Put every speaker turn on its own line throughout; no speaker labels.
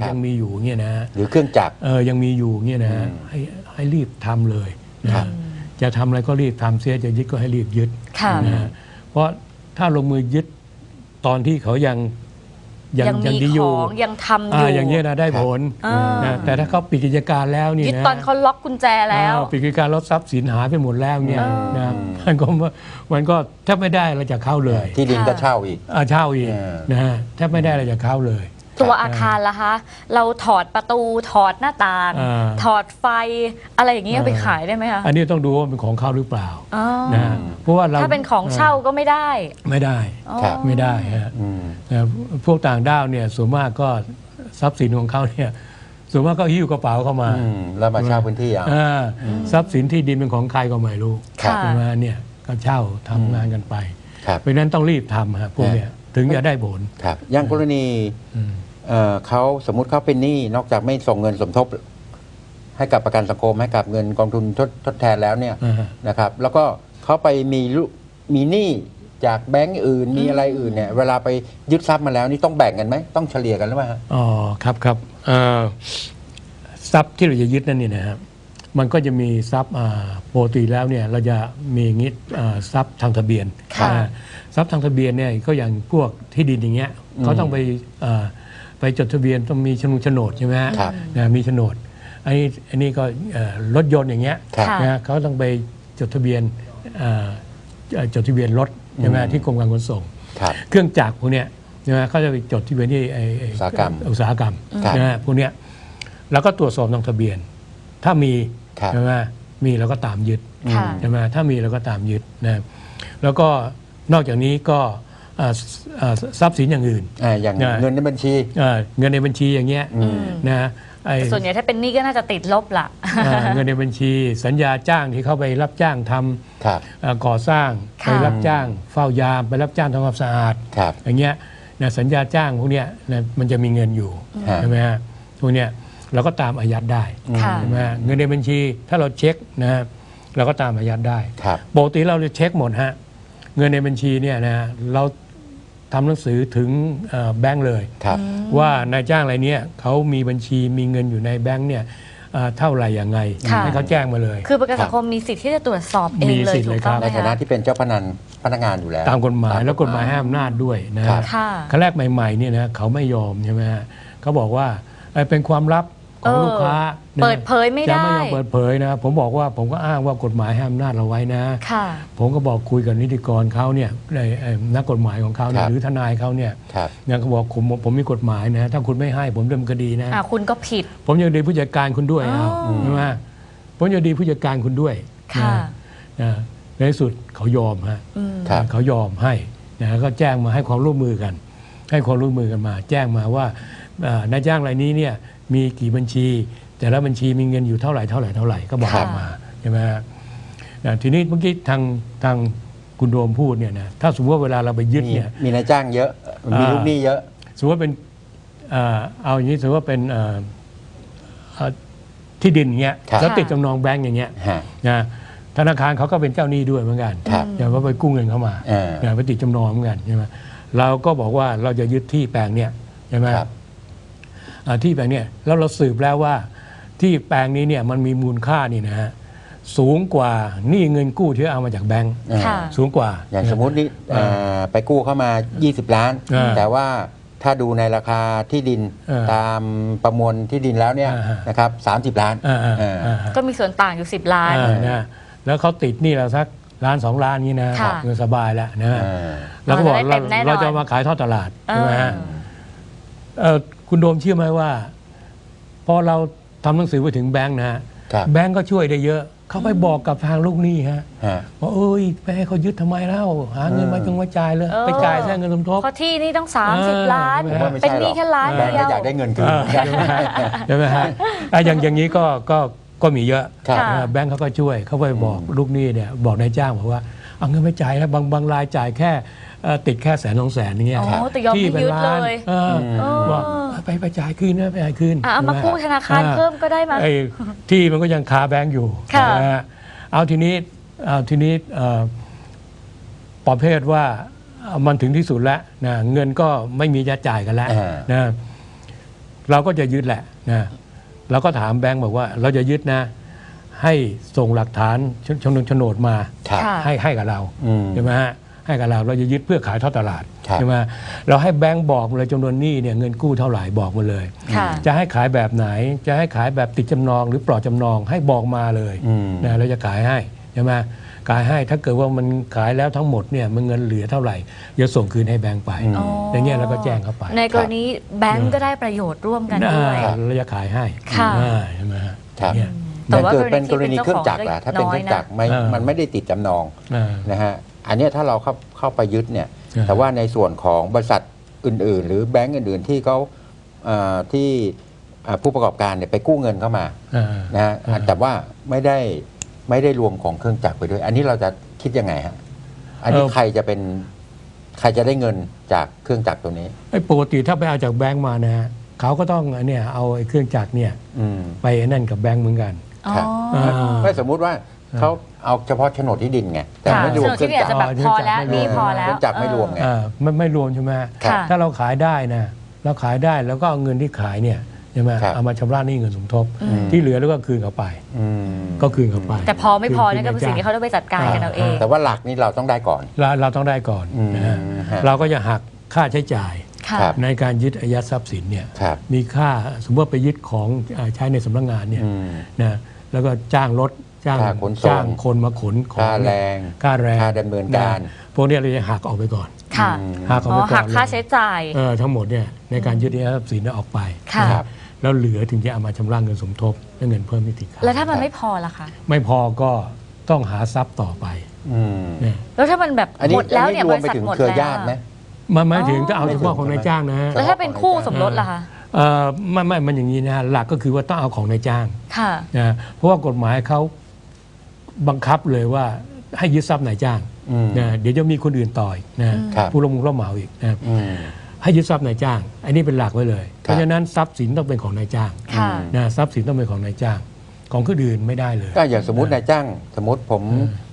ยังมีอยู่เงี้ยนะ
หรือเครื่องจักร
ยังมีอยู่เงี้ยนะให้รีบทำเลยนะจะทำอะไรก็รีบทำเสียจะยึดก็ให้รีบยึดนะเพราะถ้าลงมือยึดตอนที่เขายัง
ดีอยู่ยังทำอยู่
อย่างนี้นะได้ผลนะแต่ถ้าเขาปิดกิจการแล้วนี่นะ
ยึดตอนเขาล็อกกุญแจแล้ว
ปิดกิจการลดทรัพย์สินหายไปหมดแล้วเนี่ยนะมันก็แทบไม่ได้อะไรจากเขาเลย
ที่ดินก็เช่าอีก
นะฮะแทบไม่ได้อะไรจากเขาเลย
ตัวอาคารล่ะคะเราถอดประตูถอดหน้าต่างถอดไฟอะไรอย่างนี้ไปขายได้ไหมคะ
อันนี้ต้องดูว่าเป็นของเขาหรือเปล่านะเพราะว่า
ถ้าเป็นของเช่าก็ไม่ได้
ไม่ได้ฮะพวกต่างด้าวเนี่ยส่วนมากก็ทรัพย์สินของเขาเนี่ยส่วนมากก็หิ้วกระเป๋าเข้ามา
แล้วมาเช่าพื้นที่
ทรัพย์สินที่ดินเป็นของใครก็ไม่รู้ใช่ไหมเนี่ยก็เช่าทำงานกันไปเพราะนั้นต้องรีบทำฮะพวกเนี้ยถึงจะได้ผล
อย่างกรณีเขาสมมุติเขาเป็นหนี้นอกจากไม่ส่งเงินสมทบให้กับประกันสังคมให้กับเงินกองทุนทดแทนแล้วเนี่ยนะครับแล้วก็เขาไปมีหนี้จากแบงก์อื่นมีอะไรอื่นเนี่ยเวลาไปยึดทรัพย์มาแล้วนี่ต้องแบ่งกันไหมต้องเฉลี่ยกันหรือเปล่า
อ๋อครับทรัพย์ที่เราจะยึดนั่นนี่นะครับมันก็จะมีทรัพย์ปกติแล้วเนี่ยเราจะมีงี้ทรัพย์ทางทะเบียนทรัพย์ทางทะเบียนเนี่ยก็อย่างพวกที่ดินอย่างเงี้ยเขาต้องไปจดทะเบียนต้องมีโฉนดใช่ไหมฮะมีโฉนดอันนี้ก็รถยนต์อย่างเงี้ยนะเขาต้องไปจดทะเบียนรถใช่ไหมที่กรมการขนส่งเครื่องจักรพวกเนี้ยใช่ไหมเขาจะไปจดทะเบียนที่อุตสาหกรรมนะพวกเนี้ยแล้วก็ตรวจสอบทางทะเบียนถ้ามีใช่ไหมมีเราก็ตามยึดใช่ไหมถ้ามีเราก็ตามยึดนะแล้วก็นอกจากนี้ก็ทรัพย์สินอย่างอื่น
อย่างเงินในบัญชี
เงินในบัญชีอย่างเงี้ยนะ
ส่วนใหญ่ถ้าเป็นหนี้ก็น่าจะติดลบล่ะ
เงินในบัญชีสัญญาจ้างที่เขาไปรับจ้างทำก่อสร้างไปรับจ้างเฝ้ายามไปรับจ้างทำความสะอาดอย่างเงี้ยนะสัญญาจ้างพวกเนี้ยนะมันจะมีเงินอยู่ใช่ไหมฮะพวกเนี้ยเราก็ตามอายัดได้ใช่ไหมเงินในบัญชีถ้าเราเช็คนะเราก็ตามอายัดได้ปกติเราจะเช็คหมดฮะเงินในบัญชีเนี่ยนะเราทำหนังสือถึงแบงก์เลยว่านายจ้างรายนี้เขามีบัญชีมีเงินอยู่ในแบงก์เนี่ยเท่าไหร่อย่างไงให้เขาแจ้งมาเลย
คือประกันสังคมมีสิทธิ์ที่จะตรวจสอบเองเลยถูกต้องไหม
ในฐานะที่เป็นเจ้าพนักงานอยู่แล้ว
ตามกฎหมายแล้วกฎหมายให้อำนาจด้วยนะขั้นแรกใหม่ๆเนี่ยนะเขาไม่ยอมใช่ไหมฮะเขาบอกว่าเป็นความลับของลูกค้า
เปิดเผยไม่ได้
จะไม่ยอมเปิดเผยนะผมบอกว่าผมก็อ้างว่ากฎหมายให้อำนาจเราไว้นะผมก็บอกคุยกับนิติกรเขาเนี่ยนักกฎหมายของเขาหรือทนายเขาเนี่ยเขาบอกผมมีกฎหมายนะถ้าคุณไม่ให้ผมดำเนินคดีนะ
คุณก็ผิด
ผมยังดีผู้จัดการคุณด้วยใช่ไหมผมยังดีผู้จัดการคุณด้วยในที่สุดเขายอมฮะเขายอมให้นะก็แจ้งมาให้ความร่วมมือกันมาแจ้งมาว่านายจ้างรายนี้เนี่ยมีกี่บัญชีแต่ละบัญชีมีเงินอยู่เท่าไหร่ก็บอกมาใช่ไหมทีนี้เมื่อกี้ทางคุณโดมพูดเนี่ยนะถ้าสมมติว่าเวลาเราไปยึดเนี่ย
มีนายจ้างเยอะมีลูกหนี้เยอะ
สมมติว่าเป็นเอาอย่างนี้สมมติว่าเป็นที่ดินอย่างเงี้ยแล้วติดจำนองแบงก์อย่างเงี้ยนะธนาคารเขาก็เป็นเจ้าหนี้ด้วยเหมือนกันอย่างว่าไปกู้เงินเข้ามาไปติดจำนองเหมือนกันใช่ไหมเราก็บอกว่าเราจะยึดที่แปลงเนี่ยใช่ไหมที่แปลงเนี่ยแล้วเราสืบแล้วว่าที่แปลงนี้เนี่ยมันมีมูลค่านี่นะฮะสูงกว่านี่เงินกู้ที่เอามาจากแบงก์สูงกว่า
อย่างสมมตินี่ไปกู้เข้ามา20 ล้านแต่ว่าถ้าดูในราคาที่ดินตามประมวลที่ดินแล้วเนี่ยนะครับ30 ล้าน
ก็มีส่วนต่างอยู่10 ล้าน
นะแล้วเขาติดนี่เราสัก1-2 ล้านนี้นะเงินสบายแล้วนะแล้วก็บอกเราจะมาขายทอดตลาดใช่ไหมฮะคุณโดมเชื่อไหมว่าพอเราทำหนังสือไปถึงแบงค์นะฮะแบงค์ก็ช่วยได้เยอะเขาไปบอกกับทางลูกหนี้ฮะว่าไปให้เขายึดทำไมเล่าหาเงินมาจ่ายเลยไปจ่ายแค่เงินสมทบ
เพราะที่นี่ต้อง30 ล้านเป็นหนี้แค่ล้านเดียว
อยากได้เงินคืน
ใช่ไหมฮะอย่างนี้ก็มีเยอะแบงค์เขาก็ช่วยเขาไปบอกลูกหนี้เนี่ยบอกนายจ้างบอกว่าเอาเงินไม่จ่ายแล้วบางรายจ่ายแค่ติดแค่100,000-200,000อย่างเงี้ย
ที่เป็นล้าน
บอกไปจ่ายคืนนะไปจ่ายคืน
เอามากู้ธนาคารเพิ่มก็ได้มา
ที่มันก็ยังคาแบงก์อยู่เอาทีนี้ประเภทว่ามันถึงที่สุดแล้วนะเงินก็ไม่มีจะจ่ายกันแล้วนะเราก็จะยึดแหละนะเราก็ถามแบงก์บอกว่าเราจะยึดนะให้ส่งหลักฐานโฉนดมา
ครับ
ค่ะ
ให้กับเรา ใช่ไหมฮะให้กับเราจะยึดเพื่อขายทอดตลาด
ครับ
ใช่ไหมเราให้แบงก์บอกเลยจำนวนหนี้เนี่ยเงินกู้เท่าไหร่บอกมาเลย
ค่ะ
จะให้ขายแบบไหนจะให้ขายแบบติดจำนองหรือปลอดจำนองให้บอกมาเลยนะเราจะขายให้ใช่ไหมขายให้ถ้าเกิดว่ามันขายแล้วทั้งหมดเนี่ยมันเงินเหลือเท่าไหร่จะส่งคืนให้แบงก์ไป
อ๋อ
อย่างเงี้ยเราก็แจ้งเข้าไป
ในกรณีแบงก์ก็ได้ประโยชน์ร่วมกันด้วย
เราจะขายให้
ค่ะ
ใช่ไหมฮะ
ครับ
เนี่ย
แต่ว่า
เกิดเป็นกรณี
ก
เค
รณีที่
รื่องจักรล่ะถ้าเป็นเครื่องจักร
น้อยนะ
มันไม่ได้ติดจำนอง
อ่า
นะฮะอันเนี้ยถ้าเราเข้าไปยึดเนี่ย
อ่า
แต่ว่าในส่วนของบริษัทอื่น ๆ หรือแบงก์อื่น ๆ ที่เขาที่ผู้ประกอบการเนี่ยไปกู้เงินเข้ามา นะฮะแต่ว่าไม่ได้รวมของเครื่องจักรไปด้วย อันนี้เราจะคิดยังไงฮะอันนี้ใครจะได้เงินจากเครื่องจักรตัวนี้
ไอ้ปกติถ้าไปเอาจากแบงก์มานะฮะเขาก็ต้องเนี่ยเอาไอ้เครื่องจักรเนี่ย
อืม
ไปนั่นกับแบงก์เหมือนกัน
ครับ
อ๋อ
ไม่สมมุติว่าเขาเอาเฉพาะโฉนดที่ดินไงแต่
ค่ะ
ไม่รวมเครื่องจักร
จะแบบพอแล้วนี่พอแล้ว
เครื่องจักรไม่รวมไง
ไม่รวมใช่ไหม
ค่ะ
ถ้าเราขายได้นะเราขายได้แล้วก็เอาเงินที่ขายเนี่ยใช่ไหม
ครับ
เอามาชำระหนี้เงินสมทบ ที่เหลือแล้วก็คืนเขาไป
อืม
ก็คืนเขาไป
แต่พอไม่พอเนี่ยก็เป็น
คื
สิ่งที่เขาต้องไปจัดการกันเอาเอง
แต่ว่าหลักนี้เราต้องได้ก่อน
เราต้องได้ก่อนนะฮะ
ฮะ
เราก็จะหักค่าใช้จ่าย
ค่ะ
ครับ
ในการยึดอายัดทรัพย์สินเนี่ย
ครับ
มีค่าสมมติว่าไปยึดของใช้ในสำนักงานเนี่ย
อืม
นะแล้วก็จ้างรถจ้าง
ค่าขนส่ง
จ้างคนมาขนของ
ค่าแรง
ค่าแรง
ค่าดำเนินการ
พวกเนี้ยเราจะหักออกไปก่อน
ค่ะ
หักออก
อ๋
ไป
อ
ก่อน
หักค่าใช้จ่าย
ทั้งหมดเนี่ยในการยึดอายัดทรัพย์สินเนี่ยออกไป
ค่ะ
นะครับแล้วเหลือถึงจะเอามาชำระเงินสมทบและเงินเพิ่มที่ติดค้าง
แล้วถ้ามันไม่พอล่ะคะ
ไม่พอก็ต้องหาทรัพย์ต่อไป
อืม
เนี่ย
แล้วถ้ามันแบบ
อันนี้
หมดแล้วเนี่ย
ร
บ
วม
ริ
ไป
ษัท
ถึง
หมด
เครือ
แล้ว
ญาติไหม
มันหมายถึงจะเอา
ไม่
เฉ
ถึง
พาะของนายจ้างนะฮะ
แล้วถ้าเป็นคู่สมรสล่ะคะ
ไม่มันอย่างนี้นะฮะหลักก็คือว่าต้องเอาของนายจ้าง
ค่ะ
นะเพราะว่ากฎหมายเขาบังคับเลยว่าให้ยึดทรัพย์นายจ้าง
อืม
นะเดี๋ยวจะมีคนอื่นต่อยนะครับ ผู้ลงมือรับเหมาอีกนะ
อืม
ให้ยึดทรัพย์นายจ้าง อันนี้เป็นหลักไว้เลย เพราะฉะนั้นทรัพย์สินต้องเป็นของนายจ้าง
ค่ะ
นะทรัพย์สินต้องเป็นของนายจ้าง ของคนอื่นไม่ได้เลย
ก็อย่างสมมตินายจ้าง สมมติผม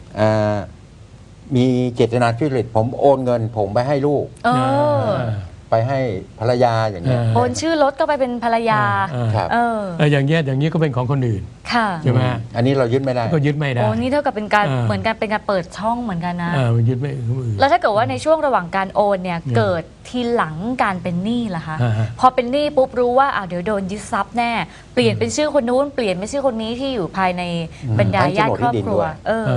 มีเจตนาทุจริตผมโอนเงิน ผมไปให้ลูก
เออ
ไปให้ภรรยาอย่างเงี้ย
โอนชื่อรถก็ไปเป็นภรรยา
ครับ
เออ
อย่างเงี้ยก็เป็นของคนอื่น
ค่ะ
ใช่ไหม
อันนี้เรายึดไม่ได้
ก็ยึดไม่ได้
โอ้นี่เท่ากับเป็นการ
เออ
เหมือนกันเป็นการเปิดช่องเหมือนกันนะ
มันยึดไม่คนอื่น
แล้วถ้าเกิดว่าในช่วงระหว่างการโอนเนี่ย
อืม
เกิดทีหลังการเป็นหนี้ล่ะคะ
ฮะ
พอเป็นหนี้ปุ๊บรู้ว่าเดี๋ยวโดนยึดทรัพย์แน่ เปลี่ยนเป็นชื่อคนนู้นเปลี่ยนเป็นชื่อคนนี้ที่อยู่ภายในบรรดาญาติครอบครัว เออ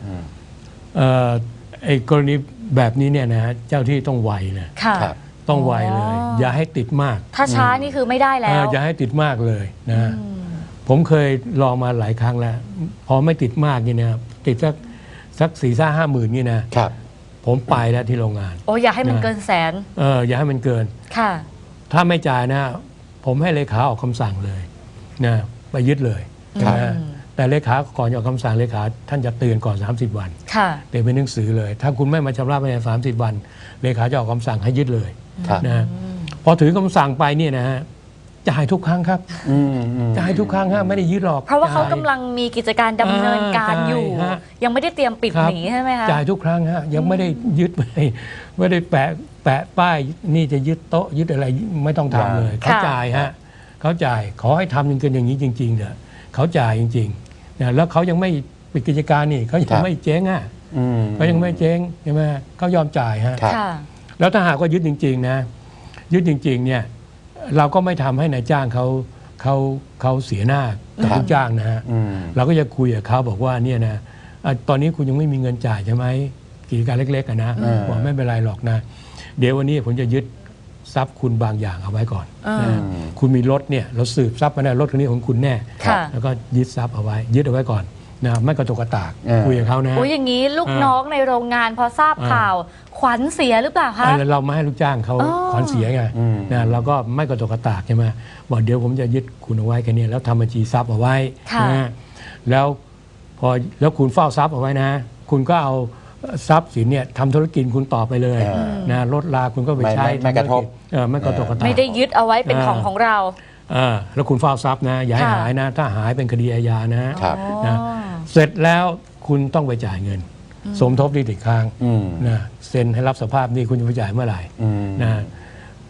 ไอ้กรณีแบบนี้เนี่ยนะฮะเจ้าที่ต้องไวนะ
ค่ะ
ครับ
ต้องไวเลย
อ๋อ
อ
อ
ย่าให้ติดมาก
ถ้าช้านี่คือไม่ได้แล้ว
อย่าให้ติดมากเลยนะ
อืม
ผมเคยลองมาหลายครั้งแล้ว พอไม่ติดมากนี่นะครับติดสัก4-5 หมื่นนี่นะครับ ผมไปแล้วที่โรงงาน
โอ้อย่าให้มันเกินแสน
อย่าให้มันเกิน
ค่ะ
ถ้าไม่จ่ายนะ ผมให้เลขาออกคำสั่งเลยนะไปยึดเลย
ครับ
นะแต่เลขาก่อนจะออกคำสั่งเลขาท่านจะเตือนก่อน30 วัน
ค่ะ
เตือนเป็นหนังสือเลย ถ้าคุณไม่มาชำระภายใน30 วันเลขาจะออกคำสั่งให้ยึดเลย
ครับ
นะพอถือคำสั่งไปเนี่ยนะฮะจ่ายทุกครั้งครับ
อืมอืม
จ่ายทุกครั้งฮะไม่ได้ยึดหรอก
เพราะว่าเขา
จ่ย
กำลังมีกิจการดำเนินการอยู่
ใช่ฮะ
ยังไม่ได้เตรียมปิด
ครับ
หนีใช่ไหมคะ
จ่ายทุกครั้งฮะยังไม่ได้ยึด ไม่ได้แปะป้ายนี่จะยึดโต๊ะยึดอะไรไม่ต้องทำเลย
ค่ะ
เขาจ่ายฮะเขาจ่ายขอให้ทำกันอย่างนี้จริงๆเถอะเขาจ่ายจริงๆนะแล้วเขายังไม่ปิดกิจการนี่เขายังไม่เจ๊งอ่ะ
อืม
เขายังไม่เจ๊งใช่ไหมเขายอมจ่ายฮะ
ครับ
ค่ะ
แล้วถ้าหากว่ายึดจริง ๆ นะ ยึดจริง ๆ เนี่ย เราก็ไม่ทำให้นายจ้างเขาเสียหน้ากับ
ครับ
ลูกจ้างนะฮะ
อืม
เราก็จะคุยกับเขาบอกว่าเนี่ยนะตอนนี้คุณยังไม่มีเงินจ่ายใช่ไหมกิจการเล็กๆอะนะ
อืม
บอกไม่เป็นไรหรอกนะ เดี๋ยววันนี้ผมจะยึดทรัพย์คุณบางอย่างเอาไว้ก่อน
อืม
นะคุณมีรถเนี่ยเราสืบทรัพย์มาได้รถคันนี้ของคุณแน่
ค่ะ
แล้วก็ยึดทรัพย์เอาไว้ ยึดเอาไว้ก่อนนะไม่กระตุกกระตากคุยกับเขานะ
โอ้ยอย่างนี้ลูกน้องในโรงงานพอทราบข่าว ขวัญเสียหรือเปล่าคะ
เราไม่ให้ลูกจ้างเขา
อ๋อ
ขวัญเสียไง
อืม
นะเราก็ไม่กระตุกกระตากใช่ไหมบอกเดี๋ยวผมจะยึดคุณเอาไว้แค่นี้แล้วทำบัญชีทรัพย์เอาไว้
ค่ะ
นะแล้วแล้วคุณเฝ้าทรัพย์เอาไว้นะ คุณก็เอาทรัพย์สินเนี่ยทำธุรกิจคุณต่อไปเลย นะรถลาคุณก็ไปใช้
ไม่กระทบ
ไม่กระตุกกระตาก
ไม่ได้ยึดเอาไว้เป็นของของเรา
แล้วคุณเฝ้าทรัพย์นะอย่าให้
ค่ะ
หายนะ ถ้าหายเป็นคดีอาญานะ
ครับ
นะ
อ๋อ
เสร็จแล้วคุณต้องไปจ่ายเงิน สมทบหนี้ติดค้าง
อืม
นะเซ็นให้รับสภาพหนี้คุณจะไปจ่ายเมื่อไหร่
อืม
นะ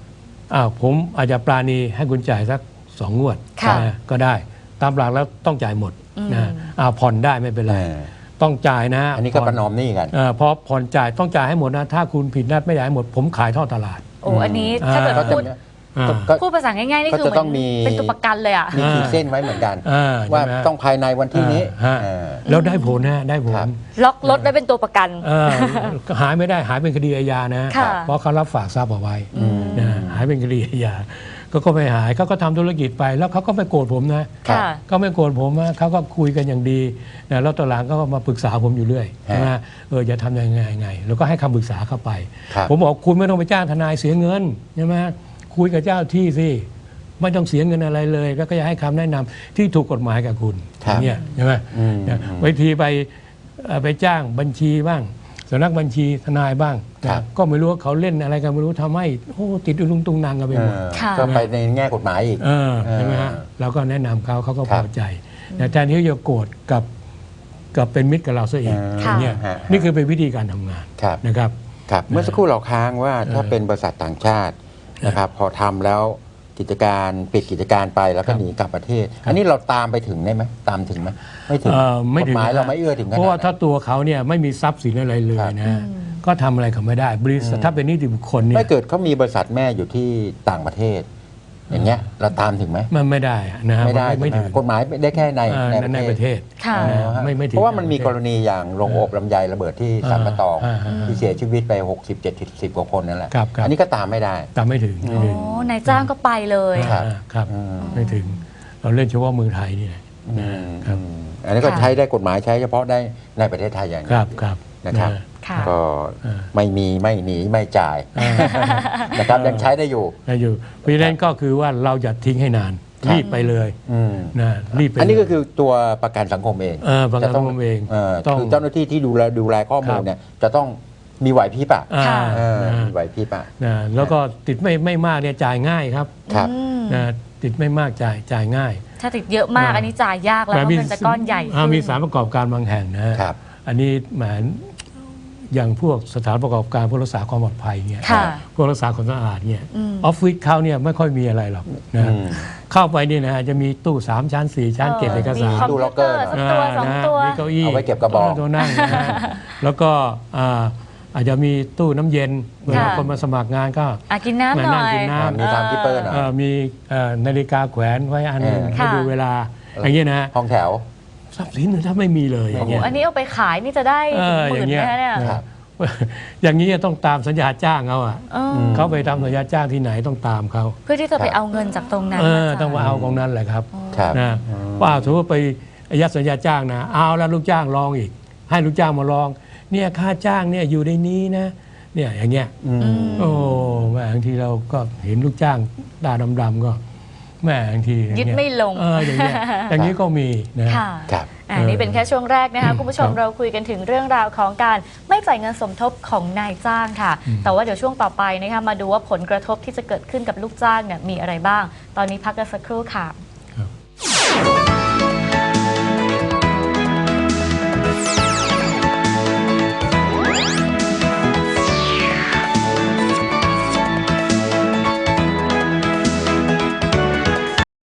ผมอาจจะปราณีให้คุณจ่ายสัก2 งวด
ค่ะ
นะก็ได้ตามหลักแล้วต้องจ่ายหมดนะผ่อนได้ไม่เป็นไร ต้องจ่ายนะ
อันนี้ก็ประนอมหนี้กัน
พอผ่อนจ่ายต้องจ่ายให้หมดนะถ้าคุณผิดนัดไม่จ่ายให้หมดผมขายท่อตลาด
โอ้อันนี้ถ้าเกิด
ก็จะ
พูดภาษาง่ายๆนี่คือ
ก็
เห
จะ
มื
ต้
อ
องมี
นเป็นตัวประกันเลยอ่ะ
มีขีดเส้นไว้เหมือนกัน ว่า
ใช่ไหม
ต้องภายในวันที่นี้
แล้วได้ผลนะได้ผ
ครั
ล
บ
ล็อกรถไว้เป็นตัวประกัน
หายไม่ได้หายเป็นคดีอาญานะ
ค่ะ
เพราะเขารับฝากทรัพย์เอาไว้นะหายเป็นคดีอาญาก็ไม่หายเขาก็ทำธุรกิจไปแล้วเขาก็ไม่โกรธผมนะ
ค่ะ
ก็ไม่โกรธผมนะเขาก็คุยกันอย่างดีนะแล้วตอนหลังก็มาปรึกษาผมอยู่เรื่อยใช่ไหมจะทำยังไงแล้วก็ให้คำปรึกษาเข้าไป
ครับ
ผมบอกคุณไม่ต้องไปจ้างทนายเสียเงินใช่ไหมคุยกับเจ้าที่สิไม่ต้องเสียเงินอะไรเลย แล้วก็จะให้คำแนะนำที่ถูกกฎหมายกับคุณ
ครับ
เนี่ยใช่ไหมบางทีไปจ้างบัญชีบ้างสำนักบัญชีทนายบ้างนะก็ไม่รู้ว่าเขาเล่นอะไรกันไม่รู้ทำให้ติดอุลุงตุงนางกันไปหมด
ค่ะ
ก็ไปในแง่กฎหมายอีก
ใช่ไหมฮะเราก็แนะนำเขาก็
ครั
พ
บ
อใจแต่แทนที่จะโกรธกับเป็นมิตรกับเราซะอีก
ค่ะ
อย่างเงี้ย
ฮะ
นี่คือเป็นวิธีการทำงาน
ครับ
นะครับ
ครับเมื่อสักครู่เราค้างว่าถ้าเป็นบริษัทต่างชาตินะครับ พอทำแล้วกิจการปิดกิจการไปแล้วก็หนีกลับประเทศ อันนี้เราตามไปถึงได้ไหมตามถึงไหมไม่ถึง
ไม่
ก
ถึ
ฎ
ง
หมายเราไม่เอื้อถึงขนาด
เพราะว่าถ้า
นั้น
ตัวเขาเนี่ยไม่มีทรัพย์สินอะไรเลยนะก็ทำอะไรเขาไม่ได้บริษัทถ้าเป็นนิติบุคคลเนี่ย
ไม่เกิดเขามีบริษัทแม่อยู่ที่ต่างประเทศ อย่างเงี้ยเราตามถึงไหม
มันไม่ได้นะฮะ
ไม่ได้
ไม่
ใช่
ถึ
ไห
ง
มกฎหมายได้แค่ใน
ในประเทศ
ค่ะ
อ๋อฮะ
ไม่ถึง
เพราะว่ามันมีกรณีอย่างโรงอบลำไยระเบิดที่สันปะตอง
อ่า
ที่เสียชีวิตไป60-70 กว่าคนนั่นแหละ
ครับ
อันนี้ก็ตามไม่ได้
ตามไม่ถึงไม่ถึง
โอ้นายจ้างก็ไปเลย
ครับ
ครับ ไม่ถึงเราเล่นเฉพาะเมืองไทยนี่แหละ ครับ
อันนี้ก็
ค่ะ
ใช้ได้กฎหมายใช้เฉพาะได้ในประเทศไทยอย่าง
ค
เดี
รั
ย
บ
ว
ครับ
นะครับ
ค่ะ
ก็
อ่า
ไม่มีไม่หนีไม่จ่ายนะครับยังใช้ได้อยู่
ได้อยู่เพราะฉะนั้นก็คือว่าเราจะทิ้งให้นาน
ครับ
รีบไปเลย
อืม
นะรีบไป
อันนี้
เลย
ก็คือตัวประกันสังคมเอง
ประกันสังคมเองต้อง
คือเจ้าหน้าที่ที่ดูแลข้อมูลเนี่ยจะต้องมีไหวพริบอะ
อ่า
ค่ะ
มีไหวพริบอะ
นะแล้วก็ติดไม่มากเนี่ยจ่ายง่ายครับ
ครับ
อืม
นะติดไม่มากจ่ายง่าย
ถ้าติดเยอะมากอันนี้จ่ายยากแล้วเพราะมันจะก้อนใหญ่ขึ้น
มีสถานประกอบการบางแห่งนะฮะ
ครับ
อันนี้แหมอย่างพวกสถานประกอบการพวกรักษาความปลอดภัยเนี่ย
ค่ะ
พวกรักษาความสะอาดเนี่ย
อืม
ออฟฟิศเขาเนี่ยไม่ค่อยมีอะไรหรอกนะ
อืม
เข้าไปนี่นะฮะจะมีตู้3 ชั้น 4 ชั้นเก็บเอกสาร
มีคอมพิวเตอร์สักตัวสองตัว
มีเก้าอี้
เอาไว้เก็บกระบอก
ตัวนั่งนะฮะแล้วก็อาจจะมีตู้น้ำเย็นเวลา
ค่ะ
คนมาสมัครงานก็
กินน้ำหน่
นั่
อง ย
กินน้ำ
มีทำที่เปิดหน่อย
มีนาฬิกาแขวนไว้อันหนึง
ค่ะ
ให้ดูเวลาอย่างเงี้ยนะฮะ
ห้องแถว
ทรัพย์สินถ้าไม่มีเลยอย่างเงี้ย
อันนี้เอาไปขายนี่จะได้หมื่นไหมคะเนี่ย
ครับ
อย่างนี้ต้องตามสัญญาจ้างเขาอ่ะ
เออ
เขาไปทำสัญญาจ้างที่ไหนต้องตามเขา
เพื่อที่จะไปเอาเงินจากตรงนั้นมาจ่าย
ต้องมาเอาของนั้นแหละครับ
ครับ
นะว่าสมมติไปอายัดสัญญาจ้างนะเอาแล้วลูกจ้างลองอีก ให้ลูกจ้างมาลองเนี่ยค่าจ้างเนี่ยอยู่ในนี้นะเนี่ยอย่างเงี้ย โอ้แม่บางทีเราก็เห็นลูกจ้างตาดำๆก็แม่บางทีอาง
ยึด
เงี้
ไม่ลง
อย่างเงี้ยอย่างนี้ก็มีนะ
ค่ะ
ครับ
นี่เป็นแค่ช่วงแรกนะคะคุณผู้ชม
ครับ
เราคุยกันถึงเรื่องราวของการไม่จ่ายเงินสมทบของนายจ้างค่ะ แต่ว่าเดี๋ยวช่วงต่อไปนะคะมาดูว่าผลกระทบที่จะเกิดขึ้นกับลูกจ้างเนี่ยมีอะไรบ้าง ตอนนี้พักกันสักครู่ค่ะ